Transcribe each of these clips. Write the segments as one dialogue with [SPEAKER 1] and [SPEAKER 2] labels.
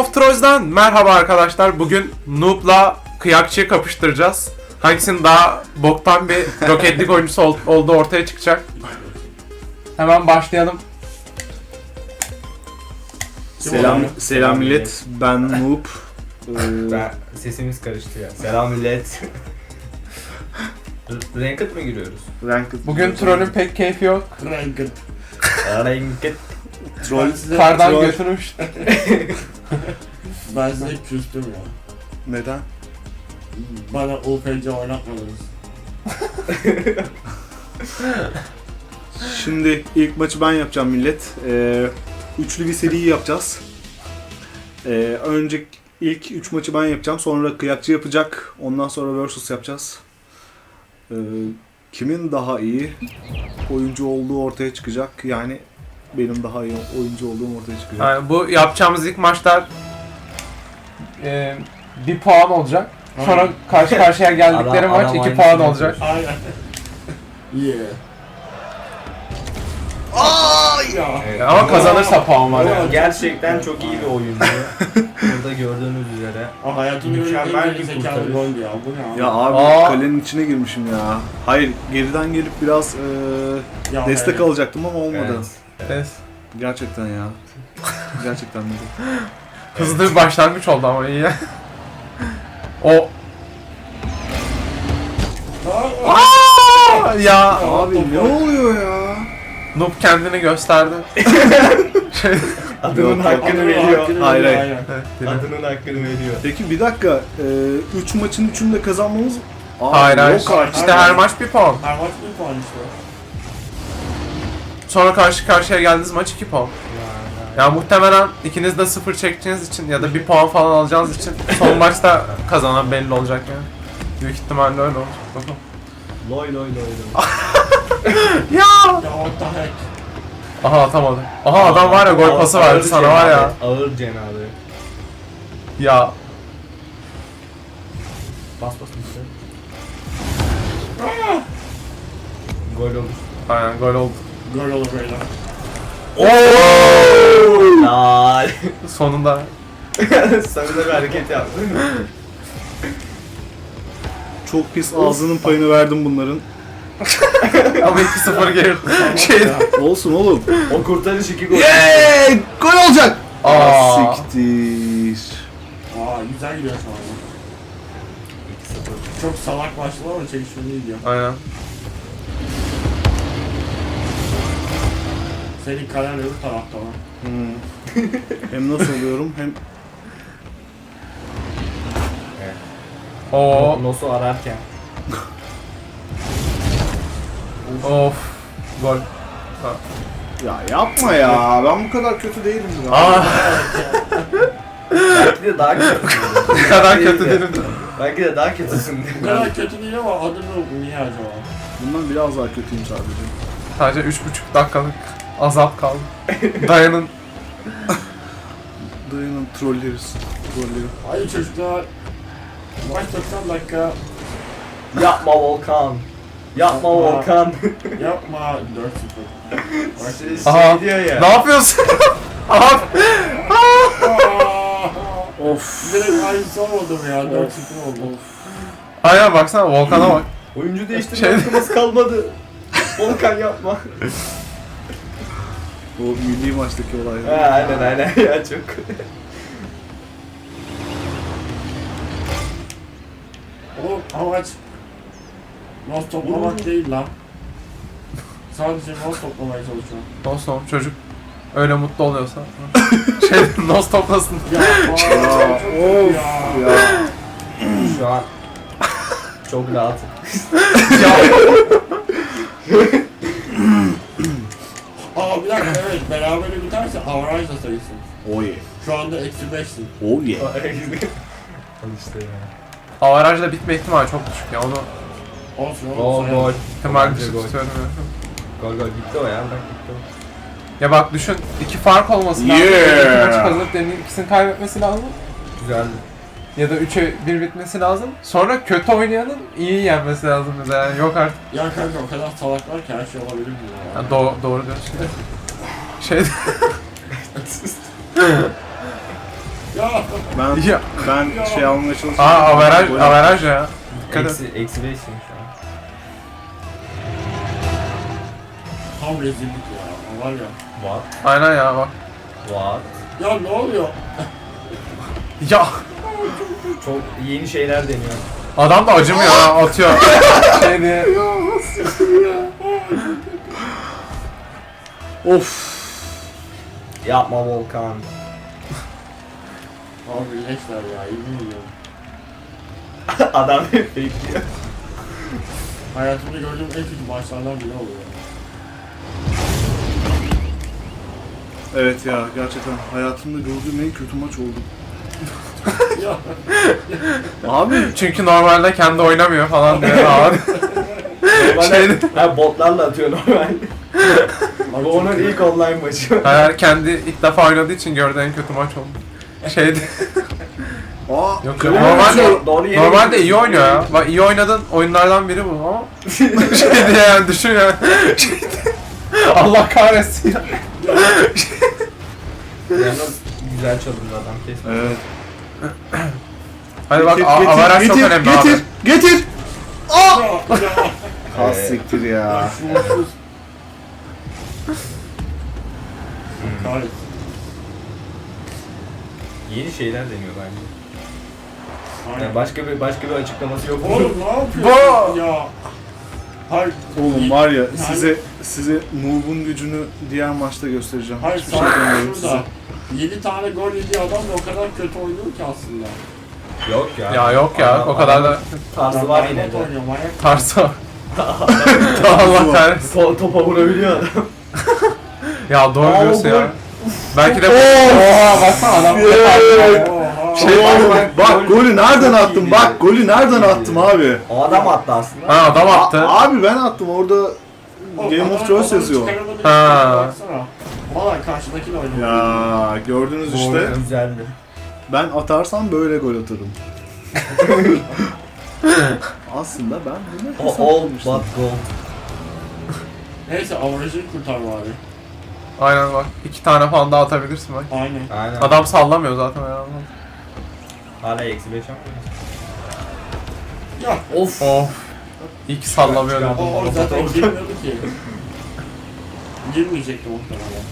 [SPEAKER 1] of Trolls'dan merhaba arkadaşlar. Bugün Noob'la Kıyakçı'yı kapıştıracağız. Hangisinin daha boktan bir roketlik oyuncusu olduğu ortaya çıkacak. Hemen başlayalım.
[SPEAKER 2] Selam millet. Ben Noob.
[SPEAKER 3] Sesimiz karıştı ya. Selam millet. Ranked mı giriyoruz?
[SPEAKER 2] Ranked.
[SPEAKER 1] Bugün trollün pek keyfi yok.
[SPEAKER 3] Ranked.
[SPEAKER 1] Kardan götürmüş.
[SPEAKER 4] Ben size küstüm ya.
[SPEAKER 2] Neden?
[SPEAKER 4] Bana UPC oynatmadınız.
[SPEAKER 2] Şimdi ilk maçı ben yapacağım millet. Üçlü bir seri yapacağız. Önce ilk 3 maçı ben yapacağım. Sonra Kıyakçı yapacak. Ondan sonra versus yapacağız. Kimin daha iyi oyuncu olduğu ortaya çıkacak. Yani benim daha iyi oyuncu olduğum ortaya çıkacak.
[SPEAKER 1] Yani bu yapacağımız ilk maçlar bir puan olacak. Sonra karşı karşıya geldikleri maç 2 puan olacak.
[SPEAKER 4] Aynen. Yeah.
[SPEAKER 3] Evet.
[SPEAKER 1] Ama kazanırsa puan var yani.
[SPEAKER 3] Gerçekten çok iyi bir oyuncu. Burada gördüğünüz üzere.
[SPEAKER 4] Hayatımın
[SPEAKER 3] Mükemmel
[SPEAKER 4] en
[SPEAKER 3] bir
[SPEAKER 4] zekalı
[SPEAKER 3] kurtarış.
[SPEAKER 4] gol ya. Bu ne abi?
[SPEAKER 2] Ya abi
[SPEAKER 1] Aa.
[SPEAKER 2] kalenin içine girmişim ya. Hayır geriden gelip biraz
[SPEAKER 4] Ya
[SPEAKER 2] destek
[SPEAKER 4] evet.
[SPEAKER 2] alacaktım ama olmadı.
[SPEAKER 1] Evet.
[SPEAKER 2] Gerçekten ya. Gerçekten de.
[SPEAKER 1] Hızlı bir başlangıç oldu ama iyi. O ya
[SPEAKER 2] Abi ne oluyor ya?
[SPEAKER 1] Noob kendini gösterdi.
[SPEAKER 3] Adının
[SPEAKER 2] Yok,
[SPEAKER 3] hakkını
[SPEAKER 4] Adamın
[SPEAKER 3] veriyor.
[SPEAKER 4] hakkını
[SPEAKER 2] Hayır,
[SPEAKER 4] veriyor,
[SPEAKER 2] hayır.
[SPEAKER 4] aynen.
[SPEAKER 1] Evet, yine.
[SPEAKER 3] Adının hakkını veriyor.
[SPEAKER 2] Peki bir dakika. 3 maçın 3'ünü de kazanmamız... Aa,
[SPEAKER 1] Hayır hayır.
[SPEAKER 2] yok artık.
[SPEAKER 1] İşte her maç bir puan.
[SPEAKER 4] Her maç bir puan işte.
[SPEAKER 1] Sonra karşı karşıya geldiğiniz maç 2 puan. Ya muhtemelen ikiniz de 0 çekeceğiniz için ya da 1 puan falan alacağınız için son maçta kazanan belli olacak yani. Büyük ihtimalle öyle olacak. Bakalım.
[SPEAKER 3] Loy.
[SPEAKER 1] Ya!
[SPEAKER 4] Ya what the heck.
[SPEAKER 1] Aha atamadı. Aha adam var ya gol pası verdi sana var ya.
[SPEAKER 3] Ağır cenabı.
[SPEAKER 1] Ya
[SPEAKER 3] Bas işte. Gol olur.
[SPEAKER 1] aynen gol oldu.
[SPEAKER 4] Gol olur böyle.
[SPEAKER 3] Laaal.
[SPEAKER 1] Sonunda.
[SPEAKER 3] Sarıda bir hareket yaptı değil mi?
[SPEAKER 2] Çok pis ağzının payını verdim bunların.
[SPEAKER 1] Ama 2-0 geri. Şey.
[SPEAKER 2] Olsun oğlum.
[SPEAKER 3] O kurtarış 2 gol.
[SPEAKER 2] Yeee! Gol olacak!
[SPEAKER 1] Aa.
[SPEAKER 2] Siktir.
[SPEAKER 4] Güzel gidiyor şu anda. Çok salak başladı ama çekişmeli gidiyor.
[SPEAKER 1] Aynen.
[SPEAKER 4] Senin kalen öbür tarafta var.
[SPEAKER 2] Hem nasıl oluyorum hem...
[SPEAKER 1] Oo.
[SPEAKER 3] Nosu ararken.
[SPEAKER 1] Of. Gol. Ha.
[SPEAKER 2] Ya yapma ya. Ben bu kadar kötü değilim ya.
[SPEAKER 1] Aa.
[SPEAKER 3] Belki de daha kötüsün.
[SPEAKER 1] Ne kadar kötü derim.
[SPEAKER 3] Belki de daha kötüsün.
[SPEAKER 4] Bu kadar kötü değil ama adını niye acaba?
[SPEAKER 2] Bundan biraz daha kötüyüm sadece.
[SPEAKER 1] Sadece 3,5 dakikalık azap kaldı. Dayanın.
[SPEAKER 2] Dayanın trolleriz. Trolleri.
[SPEAKER 4] Hayır çocuklar. Maç 90 dakika.
[SPEAKER 3] Yapma Volkan. Yapma Volkan.
[SPEAKER 4] Yapma 4-0.
[SPEAKER 1] Aha.
[SPEAKER 3] Diyor ya.
[SPEAKER 1] Ne yapıyorsun? Abi.
[SPEAKER 2] Of.
[SPEAKER 4] Direkt aynısı olmadı mı ya? 4-0 oldu.
[SPEAKER 1] Aynen baksana Volkan'a bak.
[SPEAKER 3] Oyuncu değiştirme
[SPEAKER 1] Şey-
[SPEAKER 3] hakkımız kalmadı. Volkan yapma.
[SPEAKER 2] O milli maçtaki olay.
[SPEAKER 3] Aynen ya çok.
[SPEAKER 4] Oğlum amaç nos toplamak değil lan. Sadece nos toplamaya çalışıyorum.
[SPEAKER 1] Dostum çocuk öyle mutlu oluyorsa. Şey nos toplasın.
[SPEAKER 4] Ya
[SPEAKER 2] Of ya.
[SPEAKER 3] Şu an çok rahatım.
[SPEAKER 4] Aa bir dakika evet berabere biterse avaraj da sayısın.
[SPEAKER 2] Oh yeah.
[SPEAKER 4] Şu anda -5'sin.
[SPEAKER 2] Oh yeah.
[SPEAKER 3] Al işte ya.
[SPEAKER 1] Avarajla bitme ihtimali çok düşük ya onu
[SPEAKER 4] Olsun
[SPEAKER 3] Gol
[SPEAKER 4] oğlum sayalım.
[SPEAKER 3] gol.
[SPEAKER 1] ihtimal
[SPEAKER 3] Bence
[SPEAKER 1] dışı
[SPEAKER 3] gol.
[SPEAKER 1] tutuyorum ya.
[SPEAKER 3] Gol gitti o ya bak gitti o.
[SPEAKER 1] Ya bak düşün 2 fark olması lazım.
[SPEAKER 2] Yeah.
[SPEAKER 1] 2 maçı kazanıp diğerinin ikisini kaybetmesi lazım.
[SPEAKER 3] Güzeldi.
[SPEAKER 1] Ya da 3'e 1 bitmesi lazım. Sonra kötü oynayanın iyi yenmesi lazım mesela. Yani yok artık.
[SPEAKER 4] Ya kanka o kadar salaklar ki her şey olabilir mi ya?
[SPEAKER 1] Ya doğru diyorsun. Şey
[SPEAKER 4] Ya.
[SPEAKER 2] Ben
[SPEAKER 1] Ya.
[SPEAKER 2] ben şey almaya çalışıyorum.
[SPEAKER 1] Averaj ya. Dikkat et.
[SPEAKER 3] Eksi 5'sim şu an.
[SPEAKER 4] Tam rezillik ya. Var ya.
[SPEAKER 3] What?
[SPEAKER 1] Aynen ya bak.
[SPEAKER 3] What?
[SPEAKER 4] Ya ne oluyor?
[SPEAKER 1] Ya
[SPEAKER 3] Çok yeni şeyler deniyor.
[SPEAKER 1] adam da acımıyor ha, atıyor. Şey diye.
[SPEAKER 2] Of.
[SPEAKER 3] Yapma Volkan.
[SPEAKER 4] Abi leşler ya. Yemin ediyorum.
[SPEAKER 3] Adam bekliyor.
[SPEAKER 4] Hayatımda gördüğüm en kötü maçlardan biri oluyor.
[SPEAKER 2] Evet ya, gerçekten hayatımda gördüğüm en kötü maç oldu.
[SPEAKER 4] Ya.
[SPEAKER 2] Abi
[SPEAKER 1] Çünkü normalde kendi oynamıyor falan diye abi.
[SPEAKER 3] Normalde ha, botlarla atıyor normalde. Bu onun ilk online maçı.
[SPEAKER 1] Hayır, kendi ilk defa oynadığı için gördüğü en kötü maç oldu. Şeydi.
[SPEAKER 2] aa,
[SPEAKER 1] Yok
[SPEAKER 2] kale
[SPEAKER 1] normalde
[SPEAKER 2] vuruşu.
[SPEAKER 3] Doğru yere
[SPEAKER 1] normalde
[SPEAKER 3] gidiyorsun.
[SPEAKER 1] iyi oynuyor ya. Bak iyi oynadığın oyunlardan biri bu ama şey diye yani düşün yani. Şey diye. Allah kahretsin ya.
[SPEAKER 3] Yalnız güzel çalındı adam kesin.
[SPEAKER 2] Evet.
[SPEAKER 1] Hadi bak
[SPEAKER 2] Getir,
[SPEAKER 1] avaraj çok önemli
[SPEAKER 2] getir,
[SPEAKER 1] abi.
[SPEAKER 2] getir.
[SPEAKER 4] Ya. Ya.
[SPEAKER 2] Az siktir ya.
[SPEAKER 4] Ya şuursuz. Kahretsin.
[SPEAKER 3] Yeni şeyler deniyor bence.
[SPEAKER 4] Aynen.
[SPEAKER 3] Yani başka bir açıklaması yok.
[SPEAKER 4] Oğlum ne yapıyorsun ya? Hayır.
[SPEAKER 2] Oğlum var ya, size Noob'un gücünü diğer maçta göstereceğim.
[SPEAKER 4] Hayır
[SPEAKER 2] Hiçbir şey
[SPEAKER 4] sadece
[SPEAKER 2] demiyorum size.
[SPEAKER 4] şurada. 7 tane gol yediği adam da o kadar kötü oynuyor ki aslında.
[SPEAKER 3] Yok ya.
[SPEAKER 1] Ya yok ya o kadar da
[SPEAKER 3] Tarzı var yine de.
[SPEAKER 4] Oynuyor, manyak.
[SPEAKER 1] tarsa. Allah kahretsin.
[SPEAKER 3] Topa vurabiliyor adam.
[SPEAKER 1] Ya doğru
[SPEAKER 3] Aa,
[SPEAKER 1] diyorsun
[SPEAKER 3] gol.
[SPEAKER 1] ya. Belki de oha baksana adam.
[SPEAKER 4] Oha.
[SPEAKER 1] Şey
[SPEAKER 2] Bak golü nereden attım? Bak golü nereden attım abi?
[SPEAKER 3] O adam attı aslında.
[SPEAKER 1] Ha adam attı.
[SPEAKER 2] Abi ben attım orada. Game of Thrones yazıyor.
[SPEAKER 1] Ha.
[SPEAKER 4] Baksana. Valla karşıdakini oynuyor.
[SPEAKER 2] Ya gördünüz işte.
[SPEAKER 3] Güzeldi.
[SPEAKER 2] Ben atarsam böyle gol atarım. Aslında ben bunu
[SPEAKER 3] O all but gold.
[SPEAKER 4] Neyse avarajını kurtar bari.
[SPEAKER 1] Aynen bak. 2 tane falan daha atabilirsin bak.
[SPEAKER 4] Aynen.
[SPEAKER 3] Aynen.
[SPEAKER 1] Adam sallamıyor zaten herhalde.
[SPEAKER 3] Hala eksi 5 yapmıyor.
[SPEAKER 4] Ya.
[SPEAKER 3] Of.
[SPEAKER 1] Of. İyi ki sallamıyor
[SPEAKER 3] Çıkar,
[SPEAKER 1] dedim.
[SPEAKER 4] O zaten girmiyordu ki. Girmeyecekti muhtemelen.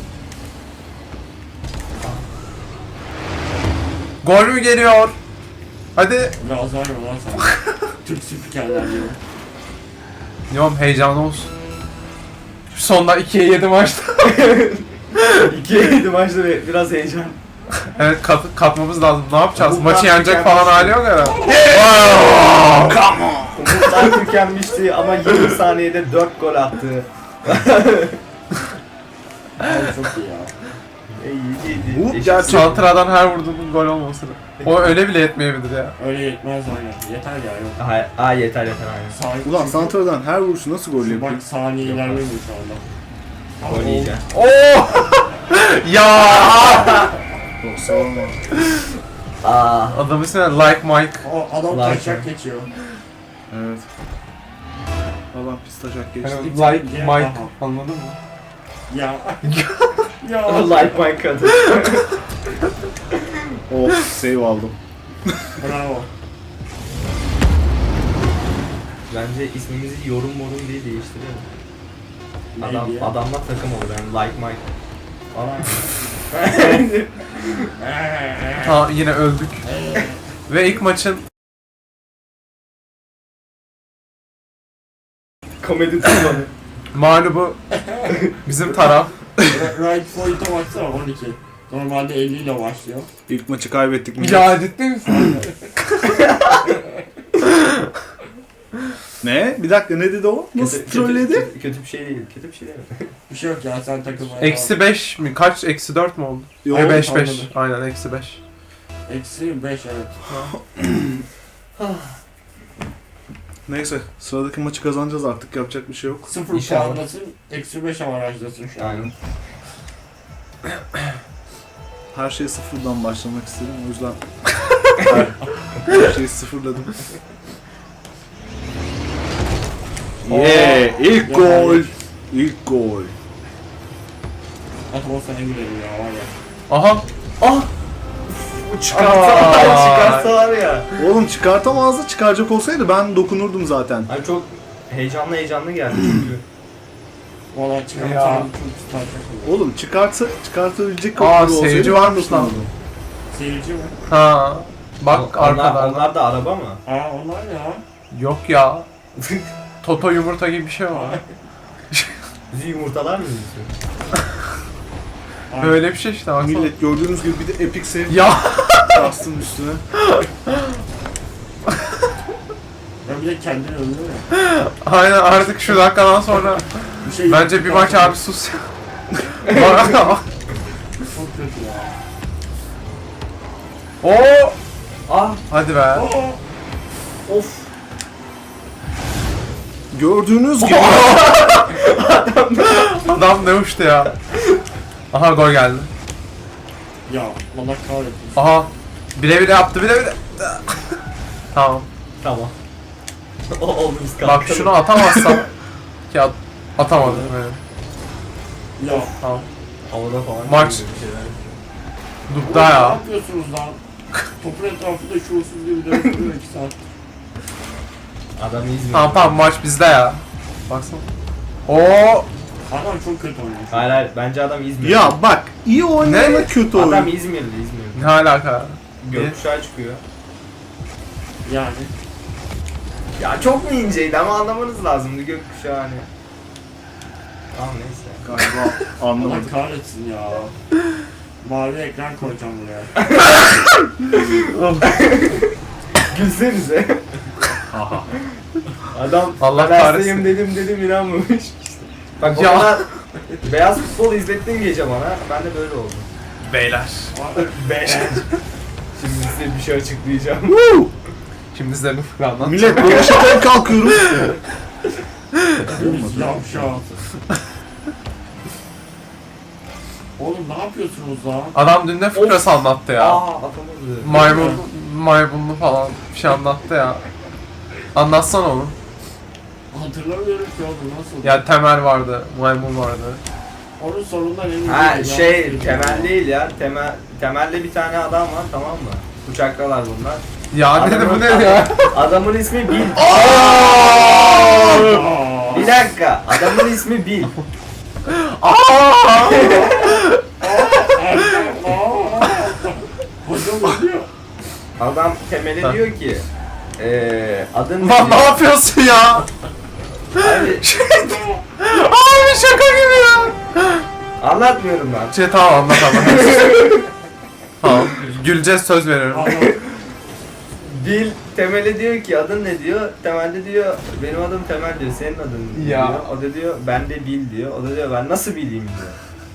[SPEAKER 1] Gol mü geliyor? Hadi.
[SPEAKER 4] Biraz var ya lan sen. Türk spikerler gibi.
[SPEAKER 1] Diyorum heyecanlı olsun. Şu sonda 2'ye 7 maçta.
[SPEAKER 3] 2'ye 7 maçta biraz heyecan.
[SPEAKER 1] Evet katmamız lazım. Ne yapacağız?
[SPEAKER 3] Bu
[SPEAKER 1] Maçı yenecek
[SPEAKER 3] mükemmel.
[SPEAKER 1] falan hali yok herhalde.
[SPEAKER 3] Umutlar tükenmişti ama 20 saniyede 4 gol attı.
[SPEAKER 4] Abi çok iyi ya.
[SPEAKER 2] Bu
[SPEAKER 3] İyi.
[SPEAKER 2] gerçek.
[SPEAKER 1] Santra'dan her vurduğunun gol olması. O öyle bile yetmeyebilir ya.
[SPEAKER 4] Öyle yetmez aynen. Yeter ya yok.
[SPEAKER 3] Aa yeter aynen.
[SPEAKER 4] Saniye,
[SPEAKER 2] Ulan Santra'dan her vuruşu nasıl gol yapıyor?
[SPEAKER 4] Bak saniye ilerlemiyor şu anda.
[SPEAKER 3] Gol yiyeceğim.
[SPEAKER 1] Oo! Ya!
[SPEAKER 2] Yoksa olma.
[SPEAKER 3] Aa.
[SPEAKER 1] Adamın ismi Like Mike.
[SPEAKER 4] O adam
[SPEAKER 3] Like
[SPEAKER 4] taşak
[SPEAKER 3] ya.
[SPEAKER 4] geçiyor.
[SPEAKER 2] Evet. Adam pis taşak geçti.
[SPEAKER 1] Hani like Mike. Anladın mı?
[SPEAKER 4] Ya. Ya.
[SPEAKER 3] Like my kadın.
[SPEAKER 2] Of save aldım.
[SPEAKER 4] Bravo.
[SPEAKER 3] Bence ismimizi yorum diye değiştirelim.
[SPEAKER 4] Neydi ya?
[SPEAKER 3] Adamla takım olur yani like Mike. Falan.
[SPEAKER 1] Ha yine öldük. Ve ilk maçın
[SPEAKER 3] Komedi tutmadı.
[SPEAKER 1] mağlubu bizim taraf.
[SPEAKER 4] Right point'a baksana 12. Normalde 50 ile başlıyor.
[SPEAKER 2] İlk maçı kaybettik mi?
[SPEAKER 1] Ya ciddi misin?
[SPEAKER 2] Ne? Bir dakika ne dedi o? Nasıl trolledi?
[SPEAKER 3] Kötü bir şey değil. Kötü bir şey değil.
[SPEAKER 4] Bir şey yok ya sen takılmaya
[SPEAKER 1] Eksi 5 mi? Kaç? Eksi 4 mü oldu?
[SPEAKER 2] Yok,
[SPEAKER 1] 5 5.
[SPEAKER 4] anladım.
[SPEAKER 1] Aynen eksi 5.
[SPEAKER 4] Eksi 5 evet.
[SPEAKER 2] Neyse sıradaki maçı kazanacağız artık, yapacak bir şey yok.
[SPEAKER 4] 0
[SPEAKER 3] İnşallah.
[SPEAKER 4] puandasın, eksi 5 avantajdasın şu an.
[SPEAKER 3] Aynen.
[SPEAKER 2] Her şeye sıfırdan başlamak istedim o yüzden her şeyi sıfırladım. Yeah, ilk gol. İlk gol.
[SPEAKER 4] At olsa ne gülerim ya var ya.
[SPEAKER 1] Aha! Ah!
[SPEAKER 3] Çıkarsa var ya.
[SPEAKER 2] Oğlum çıkartamazdı, çıkaracak olsaydı ben dokunurdum zaten.
[SPEAKER 3] Hani çok heyecanlı geldi çünkü.
[SPEAKER 4] Valla çıkartan çok isterken olur.
[SPEAKER 2] Oğlum çıkartabilecek
[SPEAKER 1] Aa,
[SPEAKER 2] olsaydı
[SPEAKER 1] seyirci
[SPEAKER 2] ben
[SPEAKER 1] varmış lan.
[SPEAKER 2] dokundum.
[SPEAKER 4] Seyirci mi?
[SPEAKER 1] Ha. Bak arkadan.
[SPEAKER 3] Onlar da araba mı?
[SPEAKER 4] Aa onlar ya.
[SPEAKER 1] Yok ya. Toto yumurta gibi bir şey var.
[SPEAKER 3] Bizi yumurtalar mı yiyorsun?
[SPEAKER 1] Böyle bir şey işte baksana.
[SPEAKER 2] Millet gördüğünüz gibi bir de epic save
[SPEAKER 1] Ya.
[SPEAKER 2] bastım üstüne.
[SPEAKER 4] Ben bir de kendini öldürüyor.
[SPEAKER 1] Aynen artık şu dakikadan sonra
[SPEAKER 4] Bir şey
[SPEAKER 1] bence bir maç abi sus ya.
[SPEAKER 4] Çok kötü ya.
[SPEAKER 1] Oo.
[SPEAKER 3] Ah
[SPEAKER 1] Hadi be.
[SPEAKER 4] Oo.
[SPEAKER 3] of.
[SPEAKER 2] Gördüğünüz gibi
[SPEAKER 1] Adam ne uçtu ya. Aha gol geldi.
[SPEAKER 4] Ya Allah kahretsin.
[SPEAKER 1] Aha. Bile bile yaptı bile bile. Tamam.
[SPEAKER 3] Tamam. Oldu biz
[SPEAKER 1] Bak
[SPEAKER 3] kalkalım.
[SPEAKER 1] şunu atamazsam ki atamadım. Evet.
[SPEAKER 4] Ya.
[SPEAKER 1] Tamam.
[SPEAKER 3] Havada falan.
[SPEAKER 1] Maç.
[SPEAKER 3] çıkıyor bir şeyler.
[SPEAKER 1] Dupta
[SPEAKER 4] Ne
[SPEAKER 1] ya.
[SPEAKER 4] yapıyorsunuz lan? Topun etrafında şuursuz gibi dönüyor 2 saat.
[SPEAKER 3] Adam İzmir.
[SPEAKER 1] Tamam maç bizde ya. Baksana. Oo.
[SPEAKER 4] Adam çok kötü oynuyor.
[SPEAKER 3] Hayır bence adam İzmir.
[SPEAKER 2] ya bak iyi oynayana
[SPEAKER 1] Ne?
[SPEAKER 2] kötü
[SPEAKER 3] Adam
[SPEAKER 2] oyun.
[SPEAKER 3] İzmirli.
[SPEAKER 1] Ne alaka?
[SPEAKER 3] Gökkuşağı çıkıyor.
[SPEAKER 4] Yani.
[SPEAKER 3] Ya çok mu inceydi ama anlamanız lazımdı gökkuşağı hani. Tamam neyse.
[SPEAKER 2] Galiba
[SPEAKER 4] Allah
[SPEAKER 2] anlamadım.
[SPEAKER 4] kahretsin ya. Mavi ekran koyacağım buraya.
[SPEAKER 3] Gülsenize.
[SPEAKER 2] Aha.
[SPEAKER 3] Adam
[SPEAKER 1] Allah
[SPEAKER 3] ben
[SPEAKER 1] kahretsin.
[SPEAKER 3] hastayım dedim inanmamış. Bak
[SPEAKER 1] Ya.
[SPEAKER 3] o kadar beyaz futbol izlettin gece bana. Ben de böyle oldum.
[SPEAKER 1] Beyler.
[SPEAKER 3] Beyler. Şimdi size bir şey açıklayacağım.
[SPEAKER 1] Şimdi size bir fıkra anlatacağım.
[SPEAKER 2] Millet yarışadan kalkıyoruz.
[SPEAKER 4] Yavşak. Oğlum ne yapıyorsunuz lan?
[SPEAKER 1] Adam dün ne fıkrası anlattı ya.
[SPEAKER 3] Atamadı.
[SPEAKER 1] Maymunlu falan bir şey anlattı ya. Anlatsana onu.
[SPEAKER 4] Hatırlamıyorum ki oğlum nasıl?
[SPEAKER 1] Ya Temel vardı, maymun vardı.
[SPEAKER 4] Onun sorundan emin
[SPEAKER 3] Ha
[SPEAKER 4] değilim.
[SPEAKER 3] şey
[SPEAKER 4] Yanlış
[SPEAKER 3] temel
[SPEAKER 4] biliyorum.
[SPEAKER 3] değil ya. Temelde bir tane adam var tamam mı? Uçaktalar bunlar.
[SPEAKER 1] Ya dedi bu ne ya?
[SPEAKER 3] Adamın ismi Bill.
[SPEAKER 4] Aa!
[SPEAKER 3] Bir dakika. Adamın ismi Bill.
[SPEAKER 4] Hocam ne diyor?
[SPEAKER 3] Adam Temel'e diyor ki adın ne
[SPEAKER 1] Lan ne
[SPEAKER 3] diyor?
[SPEAKER 1] yapıyorsun ya?
[SPEAKER 3] Abi,
[SPEAKER 1] Abi şaka gibi ya.
[SPEAKER 3] anlatmıyorum ben.
[SPEAKER 1] Şey tamam anlat anlat. Tamam. Güleceğiz söz veriyorum.
[SPEAKER 4] Allah.
[SPEAKER 3] Bill Temel'e diyor ki adın ne diyor? Temel de diyor benim adım Temel diyor. Senin adın ne
[SPEAKER 1] Ya.
[SPEAKER 3] diyor. O da diyor ben de Bill diyor. O da diyor ben nasıl bileyim diyor.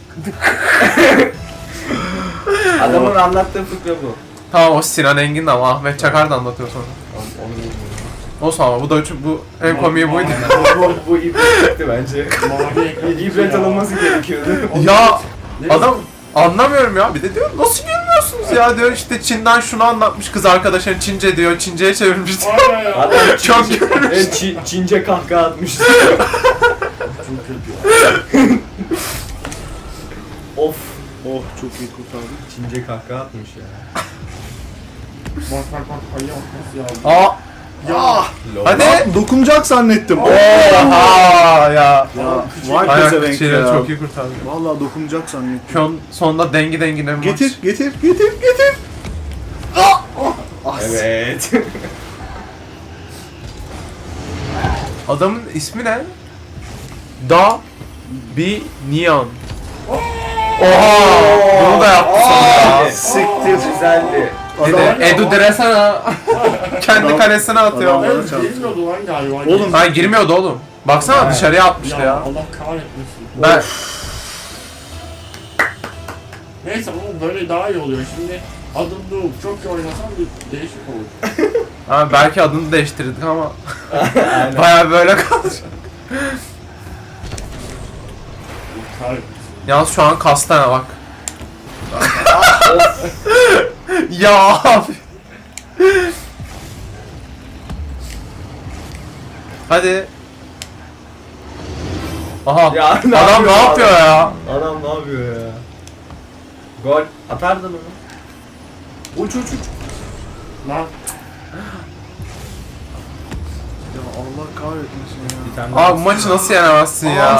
[SPEAKER 3] Adamın anlattığı fıkra bu.
[SPEAKER 1] Tamam o Sinan Engin de ama Ahmet Çakar da anlatıyor sonra.
[SPEAKER 3] Onu bilmiyorum.
[SPEAKER 1] Olsun ama bu da bu en komiği buydu.
[SPEAKER 3] bu ibretti bence.
[SPEAKER 4] Mavi ekran.
[SPEAKER 3] İbret alınması gerekiyordu.
[SPEAKER 1] Ya
[SPEAKER 4] Ne
[SPEAKER 1] adam anlamıyorum ya. Bir de diyor nasıl gülmüyorsunuz ya diyor işte Çin'den şunu anlatmış kız arkadaşın Çince diyor. Çince'ye çevirmiş diyor.
[SPEAKER 4] Aynen ya.
[SPEAKER 3] Adam
[SPEAKER 1] Çok
[SPEAKER 3] Çince,
[SPEAKER 1] gülmüş.
[SPEAKER 3] Çince kahkaha atmış.
[SPEAKER 4] Çok kötü ya.
[SPEAKER 3] Of.
[SPEAKER 2] Oh çok iyi kurtardık.
[SPEAKER 3] Çince kahkaha atmış ya.
[SPEAKER 4] Bak bak bak ayı nasıl ya.
[SPEAKER 1] Aa
[SPEAKER 4] Ya.
[SPEAKER 1] hadi.
[SPEAKER 2] Lan dokunacak zannettim.
[SPEAKER 1] Oha ya.
[SPEAKER 2] Ya vay
[SPEAKER 1] Ayak
[SPEAKER 2] pezevenk
[SPEAKER 1] kişiyle
[SPEAKER 2] ya.
[SPEAKER 1] çok iyi kurtardı.
[SPEAKER 2] Vallahi dokunacak zannettim.
[SPEAKER 1] Şu an sonunda dengi dengine bir maç.
[SPEAKER 2] Getir.
[SPEAKER 3] Evet.
[SPEAKER 1] Adamın ismi ne? Da Bi Nian. Oha! Bunu da yaptı sonra ya.
[SPEAKER 2] Siktir.
[SPEAKER 3] Güzeldi.
[SPEAKER 1] Dedi, Edu Dresana kendi
[SPEAKER 2] Adam-
[SPEAKER 1] kalesine atıyor.
[SPEAKER 2] adam-
[SPEAKER 4] Evet girmiyordu lan galiba.
[SPEAKER 2] Oğlum,
[SPEAKER 1] Ha girmiyordu oğlum. Baksana
[SPEAKER 3] Ha.
[SPEAKER 1] dışarıya atmıştı
[SPEAKER 4] Ya
[SPEAKER 1] ya.
[SPEAKER 4] Allah kahretmesin.
[SPEAKER 1] Ben
[SPEAKER 4] Neyse ama böyle daha iyi oluyor. Şimdi adım Doğuk. Çok iyi oynasam bir değişik olur.
[SPEAKER 1] ha, belki adını değiştirdik ama
[SPEAKER 3] Aynen.
[SPEAKER 1] baya böyle kalacak.
[SPEAKER 4] Kahretmesin.
[SPEAKER 1] Yalnız şu an kastana bak. Ya abi. Hadi. Aha.
[SPEAKER 3] Ya,
[SPEAKER 1] Adam
[SPEAKER 3] yapıyor
[SPEAKER 1] ne yapıyor ya?
[SPEAKER 3] Adam ne yapıyor ya? Gol. Atardın onu.
[SPEAKER 2] Uç.
[SPEAKER 4] Lan
[SPEAKER 2] Ya Allah kahretmesin ya.
[SPEAKER 3] Bir tane daha.
[SPEAKER 1] Abi bu maçı nasıl yenemezsin ya?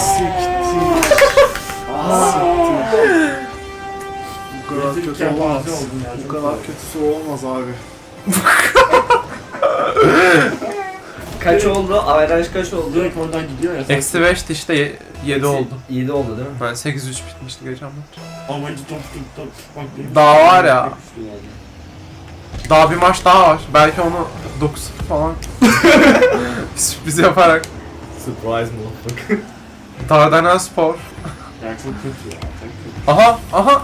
[SPEAKER 2] Bu kadar
[SPEAKER 4] rezil
[SPEAKER 2] kötü olmaz.
[SPEAKER 4] kepaze oldun ya.
[SPEAKER 2] Bu
[SPEAKER 4] çok
[SPEAKER 2] kadar
[SPEAKER 4] fazla.
[SPEAKER 2] kötüsü olmaz abi.
[SPEAKER 3] Kaç oldu? Averaj kaç oldu?
[SPEAKER 4] Direkt oradan gidiyor ya.
[SPEAKER 1] Eksi 5'ti işte 7 oldu.
[SPEAKER 3] 7 oldu değil mi?
[SPEAKER 1] Ben 8-3 bitmişti geçen maç.
[SPEAKER 4] Amacı top tutmak.
[SPEAKER 1] Daha var ya. Daha bir maç daha var. Belki onu 9 falan sürpriz yaparak.
[SPEAKER 3] Surprise motherfucker.
[SPEAKER 1] Dardanelspor.
[SPEAKER 4] Ya çok kötü ya. Çok kötü.
[SPEAKER 1] Aha.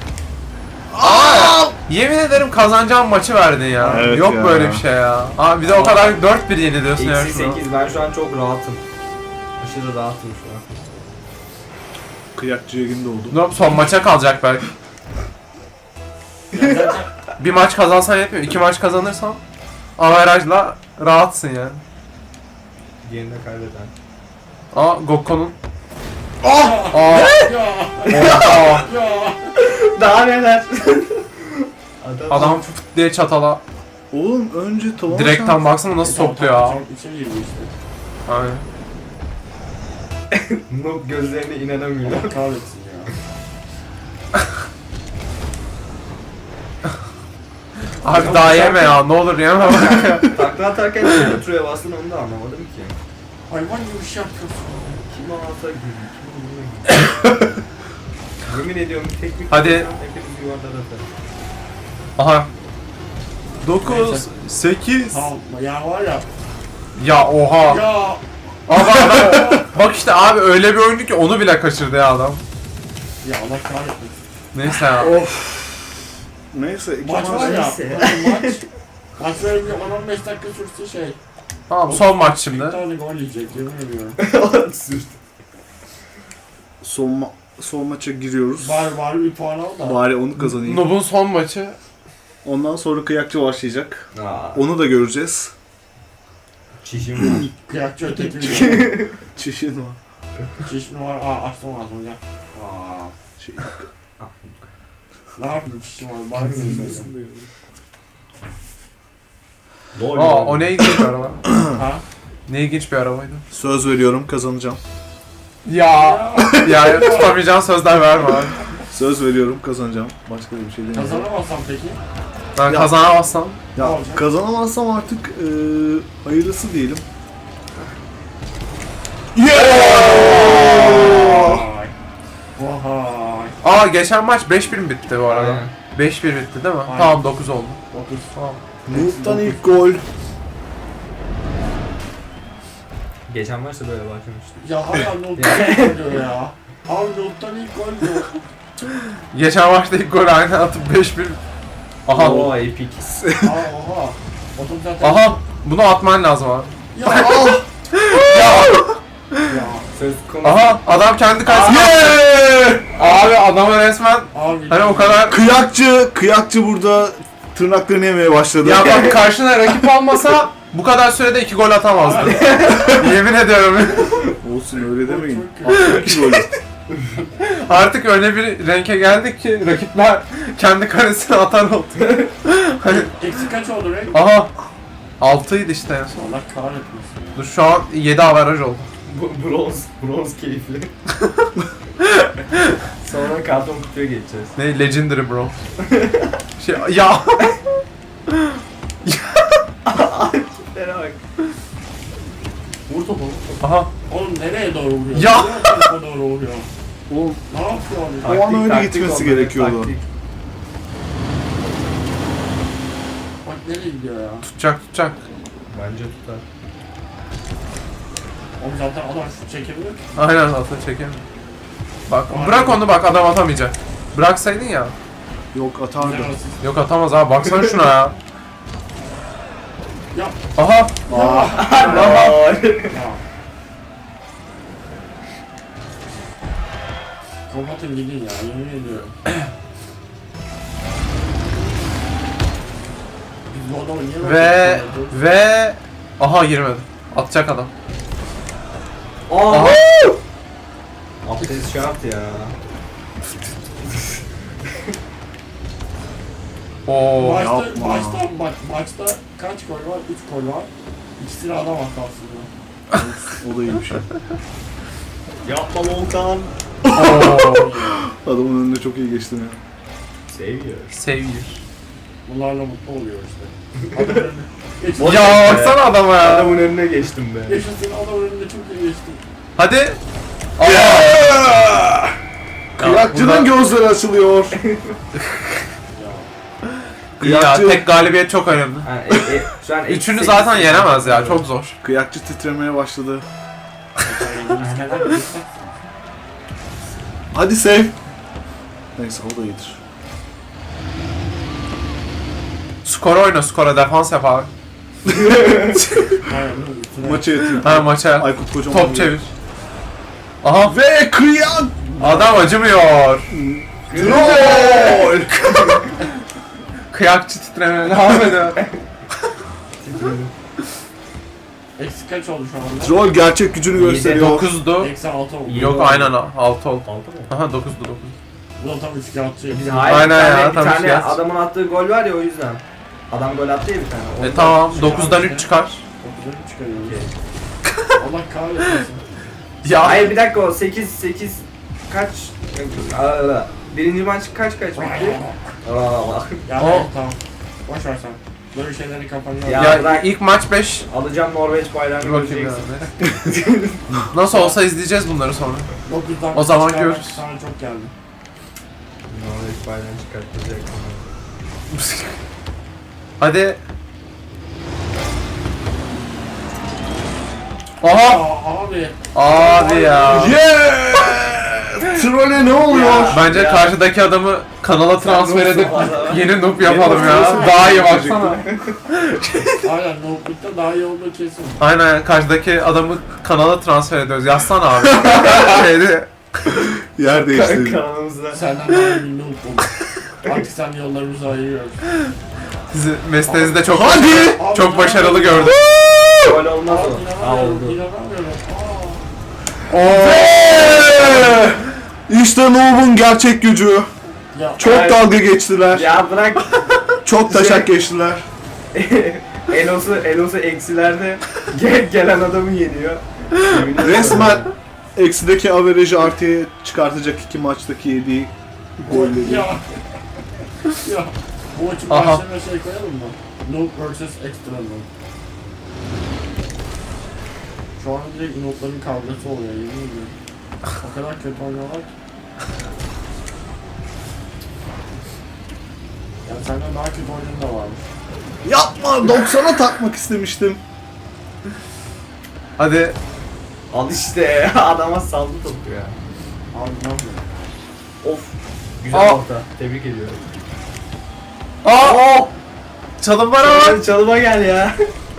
[SPEAKER 1] Aa! Yemin ederim kazanacağım maçı verdin ya.
[SPEAKER 2] Evet
[SPEAKER 1] Yok
[SPEAKER 2] ya.
[SPEAKER 1] böyle bir şey ya. Abi bir de o kadar 4-1 yeniliyorsun ya
[SPEAKER 3] Eksi
[SPEAKER 1] şuna.
[SPEAKER 3] 8. Ben şu an çok rahatım. Aşırı rahatım şu an.
[SPEAKER 2] Kıyakçıya gün doğdu.
[SPEAKER 1] Dur, son maça kalacak belki.
[SPEAKER 4] Ya zaten
[SPEAKER 1] Bir maç kazansan yetmiyor. 2 maç kazanırsan averajla rahatsın yani.
[SPEAKER 3] Diğerinde kaybeden.
[SPEAKER 1] Aa Gokko'nun.
[SPEAKER 2] Ah!
[SPEAKER 1] Aa.
[SPEAKER 4] ya.
[SPEAKER 1] Aa.
[SPEAKER 4] Ya.
[SPEAKER 3] Daha neler?
[SPEAKER 1] Adam fıt diye çatala.
[SPEAKER 2] Oğlum önce tavan
[SPEAKER 1] Direkten baksana nasıl topluyor ya.
[SPEAKER 4] Çok içe girdi işte.
[SPEAKER 1] Aynen.
[SPEAKER 3] Noob gözlerine inanamıyor.
[SPEAKER 4] Allah kahretsin ya.
[SPEAKER 1] Abi daha yeme ya, ne olur yeme.
[SPEAKER 3] Takla atarken kim oturuyor bastın onu da anlamadım ki.
[SPEAKER 4] Hayvan gibi bir şey yapıyorsun.
[SPEAKER 3] Kim alsa gülüyor, kim alsa gülüyor. Yemin ediyorum teknik
[SPEAKER 1] Hadi.
[SPEAKER 3] hepimiz yuvarlar atar.
[SPEAKER 1] Aha. 9, 8.
[SPEAKER 4] Tamam ya var ya.
[SPEAKER 1] Ya oha.
[SPEAKER 4] Ya.
[SPEAKER 1] Abi adam, bak işte abi öyle bir oyundu ki onu bile kaçırdı ya adam.
[SPEAKER 4] Ya Allah kahretsin.
[SPEAKER 1] Neyse ya.
[SPEAKER 2] Of. Neyse iki
[SPEAKER 4] Maç var ya.
[SPEAKER 3] neyse.
[SPEAKER 4] Maç. Maç böyle bir 10-15 dakika sürse şey.
[SPEAKER 1] Tamam son maç
[SPEAKER 4] Bir
[SPEAKER 1] şimdi.
[SPEAKER 4] tane gol yiyecek yemin ediyorum.
[SPEAKER 2] son maça giriyoruz.
[SPEAKER 4] Bari bir puan al da.
[SPEAKER 2] Bari onu kazanayım.
[SPEAKER 1] Noob'un son maçı.
[SPEAKER 2] Ondan sonra kıyakçı başlayacak.
[SPEAKER 3] Aa,
[SPEAKER 2] Onu da göreceğiz.
[SPEAKER 3] çişim var.
[SPEAKER 4] Kıyakçı öteki bir
[SPEAKER 2] Çişin var.
[SPEAKER 4] çişim var. Aa açtım ağzımı ya. Aa.
[SPEAKER 2] Şey,
[SPEAKER 4] Ne yapayım çişim var. Bari söyleyeyim.
[SPEAKER 1] Aa o ne ilginç bir araba.
[SPEAKER 4] Ha?
[SPEAKER 1] Ne ilginç bir arabaydı.
[SPEAKER 2] söz veriyorum kazanacağım.
[SPEAKER 1] Ya. Ya tutamayacağın sözler verme abi.
[SPEAKER 2] Söz veriyorum kazanacağım. Başka bir şey demeyeceğim.
[SPEAKER 4] Kazanamazsam peki?
[SPEAKER 1] Ben
[SPEAKER 2] Ya.
[SPEAKER 1] kazanamazsam.
[SPEAKER 4] Ne
[SPEAKER 2] Ya
[SPEAKER 4] olacak?
[SPEAKER 2] kazanamazsam artık hayırlısı diyelim.
[SPEAKER 4] Vay. Vay.
[SPEAKER 1] Aa geçen maç 5-1 mi bitti bu arada?
[SPEAKER 3] Aynen.
[SPEAKER 1] 5-1 bitti değil mi?
[SPEAKER 4] Aynen.
[SPEAKER 1] Tamam 9 oldu.
[SPEAKER 4] 9.
[SPEAKER 1] Tamam.
[SPEAKER 2] Noob'dan ilk gol.
[SPEAKER 3] Geçen maçta böyle başlamıştı.
[SPEAKER 4] Ya hala Nolt'tan gol diyor ya. Abi Nolt'tan ilk gol diyor.
[SPEAKER 1] Geçen maçta ilk gol aynen atıp 5-1. Aha.
[SPEAKER 3] Oo epic.
[SPEAKER 4] Aa oha. Otom zaten.
[SPEAKER 1] Aha. Bunu atman lazım abi.
[SPEAKER 4] Ya.
[SPEAKER 1] Ya.
[SPEAKER 4] Ya.
[SPEAKER 3] Söz konusu.
[SPEAKER 1] Aha adam kendi kalesine. Abi adamı resmen
[SPEAKER 4] Abi.
[SPEAKER 1] hani o kadar.
[SPEAKER 2] Kıyakçı burada tırnaklarını yemeye başladı.
[SPEAKER 1] Ya bak karşına rakip almasa bu kadar sürede 2 gol atamazdı. Yemin ediyorum.
[SPEAKER 2] Olsun öyle demeyin.
[SPEAKER 4] Çok kötü.
[SPEAKER 2] Attı 2 golü.
[SPEAKER 1] Artık öyle bir renke geldik ki rakipler kendi kalesine atar oldu. Hani
[SPEAKER 4] Eksi kaç oldu renk?
[SPEAKER 1] aha 6'ydı işte en son.
[SPEAKER 4] Allah kahretmesin.
[SPEAKER 1] Dur şu an 7 averaj oldu.
[SPEAKER 3] Bronz keyifli. Sonra karton kutuya geçeceğiz.
[SPEAKER 1] Ne legendary bro. Şey ya
[SPEAKER 3] Tiplere bak.
[SPEAKER 4] Vur topu.
[SPEAKER 1] aha
[SPEAKER 4] Oğlum nereye doğru vuruyor?
[SPEAKER 1] Ya!
[SPEAKER 4] Nereye tarafa doğru vuruyor?
[SPEAKER 2] Oğlum
[SPEAKER 4] Ne yapıyor abi?
[SPEAKER 2] O an öyle
[SPEAKER 3] Taktik
[SPEAKER 2] gitmesi
[SPEAKER 3] oldu,
[SPEAKER 2] gerekiyordu.
[SPEAKER 3] taktik.
[SPEAKER 4] Bak nereye gidiyor ya?
[SPEAKER 1] tutacak.
[SPEAKER 3] Bence tutar.
[SPEAKER 4] Oğlum zaten adam şut çekebilir ki.
[SPEAKER 1] Aynen atla çekemiyor. Bak bırak onu bak adam atamayacak. Bıraksaydın ya.
[SPEAKER 2] yok atardı.
[SPEAKER 4] Güzel asist.
[SPEAKER 1] Yok atamaz abi baksana şuna ya.
[SPEAKER 4] Ya.
[SPEAKER 1] Aha.
[SPEAKER 4] Ya. Kapatın gidin ya yemin ediyorum. Biz bu adamı niye
[SPEAKER 1] Ve
[SPEAKER 4] böyle
[SPEAKER 1] ve aha girmedi. Atacak adam.
[SPEAKER 3] Aa!
[SPEAKER 1] Aha.
[SPEAKER 3] Abdest şart ya.
[SPEAKER 1] Oo.
[SPEAKER 2] yapma.
[SPEAKER 4] Maçta kaç gol var? 3 gol var. İkisini adam attı aslında.
[SPEAKER 2] O da iyi bir şey.
[SPEAKER 3] Yapma Volkan.
[SPEAKER 1] Oo.
[SPEAKER 2] Adamın önünde çok iyi geçtim ya.
[SPEAKER 3] Seviyor.
[SPEAKER 1] Sevgili.
[SPEAKER 4] Bunlarla mutlu oluyor işte. Adamın önüne... Geçtim.
[SPEAKER 1] Ya baksana adama ya.
[SPEAKER 3] Adamın önüne geçtim be.
[SPEAKER 4] Yaşasın adamın önünde çok iyi geçtim.
[SPEAKER 1] Hadi.
[SPEAKER 2] Kıyakçının gözleri açılıyor.
[SPEAKER 1] İyi ya,
[SPEAKER 2] Kıyakçı-
[SPEAKER 1] tek galibiyet çok önemli.
[SPEAKER 3] Ha, şu an
[SPEAKER 1] Üçünü
[SPEAKER 3] eksi
[SPEAKER 1] zaten
[SPEAKER 3] 8.
[SPEAKER 1] yenemez ya, çok zor.
[SPEAKER 2] Kıyakçı titremeye başladı. Hadi save. Neyse o da iyidir.
[SPEAKER 1] Skora oyna, skora defans yap abi.
[SPEAKER 2] Maça yatayım.
[SPEAKER 1] Ha, maça.
[SPEAKER 2] Aykut Kocaman.
[SPEAKER 1] Top çevir. Aha.
[SPEAKER 2] Ve kıyak.
[SPEAKER 1] Adam acımıyor.
[SPEAKER 2] Gol.
[SPEAKER 1] Kıyakçı titremeye devam ediyor.
[SPEAKER 4] Eksi kaç oldu şu anda?
[SPEAKER 2] Troll gerçek gücünü gösteriyor.
[SPEAKER 1] 9'du.
[SPEAKER 4] Eksi 6 oldu.
[SPEAKER 1] Yok aynen 6 oldu.
[SPEAKER 3] 6 mı?
[SPEAKER 1] Aha 9'du 9.
[SPEAKER 4] Bu da tam üçkağıtçı.
[SPEAKER 3] Biz hayır
[SPEAKER 1] Aynen
[SPEAKER 3] bir tane,
[SPEAKER 1] ya,
[SPEAKER 3] bir
[SPEAKER 1] tam
[SPEAKER 3] tane
[SPEAKER 1] işte.
[SPEAKER 3] adamın attığı gol var ya o yüzden. Adam gol attı ya bir tane. Ondan-
[SPEAKER 1] Tamam 9'dan 3 çıkar.
[SPEAKER 4] 9'dan 3 çıkarıyoruz.
[SPEAKER 3] Okey.
[SPEAKER 4] Allah kahretsin.
[SPEAKER 1] Ya
[SPEAKER 3] Hayır bir dakika o 8 kaç? Aa, birinci maç kaç bitti? Aa,
[SPEAKER 4] Ya
[SPEAKER 1] O-
[SPEAKER 4] tamam. Boş ver sen. Böyle şeyleri kafanına
[SPEAKER 3] Ya
[SPEAKER 1] ya
[SPEAKER 3] bırak.
[SPEAKER 1] ilk maç 5.
[SPEAKER 3] Alacağım Norveç bayrağını
[SPEAKER 1] Dur bakayım
[SPEAKER 3] göreceksin.
[SPEAKER 1] ya. Nasıl olsa izleyeceğiz bunları sonra.
[SPEAKER 4] 9'dan
[SPEAKER 1] O zaman
[SPEAKER 4] çıkarmak
[SPEAKER 1] görürüz.
[SPEAKER 4] Sana çok geldi.
[SPEAKER 3] Norveç bayrağını çıkartacak.
[SPEAKER 1] Hadi. Aha!
[SPEAKER 4] Abi.
[SPEAKER 1] Abi ya.
[SPEAKER 2] Yeah! Troll'e ne oluyor?
[SPEAKER 3] Ya.
[SPEAKER 1] Bence karşıdaki adamı kanala transfer edip yeni noob yapalım ya. Daha iyi baksana.
[SPEAKER 4] Aynen notebook'ta daha iyi olduğu kesin.
[SPEAKER 1] Aynen, karşıdaki adamı kanala transfer ediyoruz. Yazsana abi. Şeydi.
[SPEAKER 2] Yer değiştirdi.
[SPEAKER 3] Kanalımızda.
[SPEAKER 4] Senden daha iyi bir noob bulduk. Artık sen yollarımızı ayırıyoruz.
[SPEAKER 1] Sizi mesleğinizde de çok
[SPEAKER 2] Hadi!
[SPEAKER 1] çok başarılı gördüm.
[SPEAKER 3] Gol olmaz
[SPEAKER 4] Aa,
[SPEAKER 3] o. Ha
[SPEAKER 4] inanamıyorum,
[SPEAKER 3] oldu.
[SPEAKER 4] inanamıyorum.
[SPEAKER 2] İşte Noob'un gerçek gücü.
[SPEAKER 4] Ya,
[SPEAKER 2] Çok
[SPEAKER 3] Evet.
[SPEAKER 2] dalga geçtiler.
[SPEAKER 3] Ya bırak.
[SPEAKER 2] Çok taşak geçtiler.
[SPEAKER 3] Elos'u eksilerde gelen adamı yeniyor.
[SPEAKER 2] Resmen eksideki averajı artıya çıkartacak iki maçtaki yediği golleri.
[SPEAKER 4] Ya. Ya. Bu maçın
[SPEAKER 1] Aha.
[SPEAKER 4] başlarına şey koyalım mı? Noob vs. Extra Noob. Şu an direkt noobların kavgası oluyor, yemin ediyorum. O kadar kötü oynuyorlar ki. Ya senden daha kötü oyunun da varmış.
[SPEAKER 2] Yapma, 90'a takmak istemiştim.
[SPEAKER 1] Hadi.
[SPEAKER 3] Al işte adama saldı topu ya.
[SPEAKER 4] Abi ne yapıyorsun?
[SPEAKER 3] Of. Güzel
[SPEAKER 1] Aa.
[SPEAKER 3] orta. Tebrik ediyorum.
[SPEAKER 1] Aa! Çalım var ama.
[SPEAKER 3] Hadi çalıma gel ya.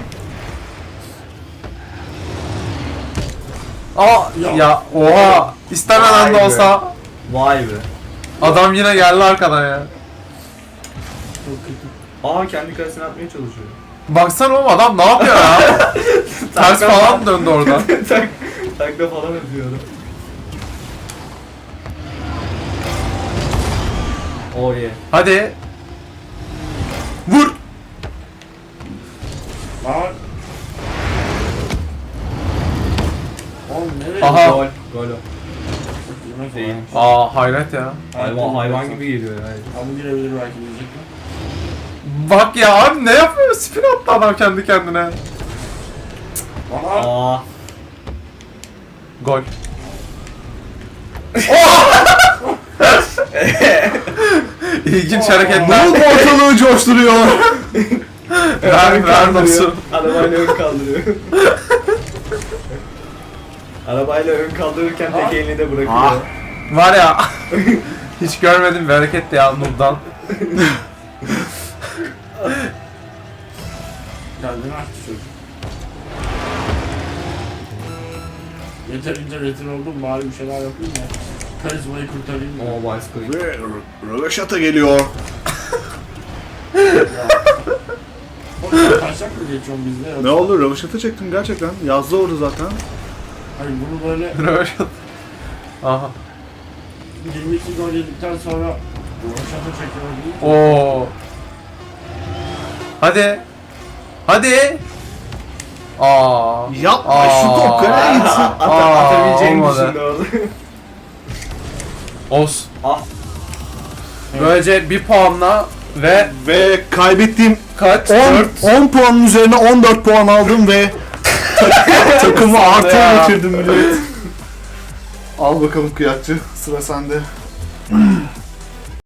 [SPEAKER 1] Aa! Ya oha! İstemeden de
[SPEAKER 3] Vay be.
[SPEAKER 1] olsa
[SPEAKER 3] Vay be.
[SPEAKER 1] adam yine geldi arkadan ya.
[SPEAKER 4] Çok kötü.
[SPEAKER 3] Aa kendi kalesine atmaya çalışıyor.
[SPEAKER 1] Baksana oğlum, adam ne yapıyor ya? Ters falan mı döndü oradan?
[SPEAKER 3] Takla falan atıyor adam. Oh yeah.
[SPEAKER 1] Hadi. Vur!
[SPEAKER 4] Lan! Oğlum nereye?
[SPEAKER 1] Aha.
[SPEAKER 3] Gol. Gol o.
[SPEAKER 4] Yemez
[SPEAKER 3] Değil.
[SPEAKER 4] o ya.
[SPEAKER 1] Aa hayret ya.
[SPEAKER 3] Hayvan gibi geliyor yani.
[SPEAKER 4] Ama girebilir belki diyecekler.
[SPEAKER 1] Bak ya abi, ne yapıyor? Spin attı adam kendi kendine.
[SPEAKER 4] Aha!
[SPEAKER 3] Aa.
[SPEAKER 1] Gol. İlginç hareketler.
[SPEAKER 2] Noob ortalığı coşturuyor.
[SPEAKER 1] Ver nasıl?
[SPEAKER 3] Arabayla ön kaldırıyor. Arabayla ön kaldırırken tek elini de bırakıyor.
[SPEAKER 2] Ah.
[SPEAKER 1] Var ya. Hiç görmedim bir hareket ya Nur'dan.
[SPEAKER 4] Kendini açtı çocuk. Yeterince rezil oldum, bari bir şeyler yapayım ya. Karizmayı kurtarayım ya.
[SPEAKER 3] Oh bicycle.
[SPEAKER 2] Ve röveşata geliyor.
[SPEAKER 4] Oğlum taşak mı geçiyorsun bizde yoksa?
[SPEAKER 2] Ne oldu? Röveşata çektim gerçekten. Yazdı orada zaten.
[SPEAKER 4] Hayır bunu böyle
[SPEAKER 1] Röveşat. Aha.
[SPEAKER 4] 22 gol yedikten sonra Roşat'a çekiyor değil.
[SPEAKER 1] Oo. Hadi. Hadi. Aa.
[SPEAKER 2] Yapma şu top kaleye gitsin.
[SPEAKER 3] Atabileceğini
[SPEAKER 1] olmadı.
[SPEAKER 3] düşündü orada.
[SPEAKER 1] Olsun.
[SPEAKER 3] Ah.
[SPEAKER 1] Böylece bir puanla ve
[SPEAKER 2] Ve kaybettiğim
[SPEAKER 1] kaç?
[SPEAKER 2] 10,
[SPEAKER 1] 4.
[SPEAKER 2] 10 puanın üzerine 14 puan aldım ve takımı artıya
[SPEAKER 1] Ya.
[SPEAKER 2] getirdim millet. Al bakalım kıyakçı, sıra sende.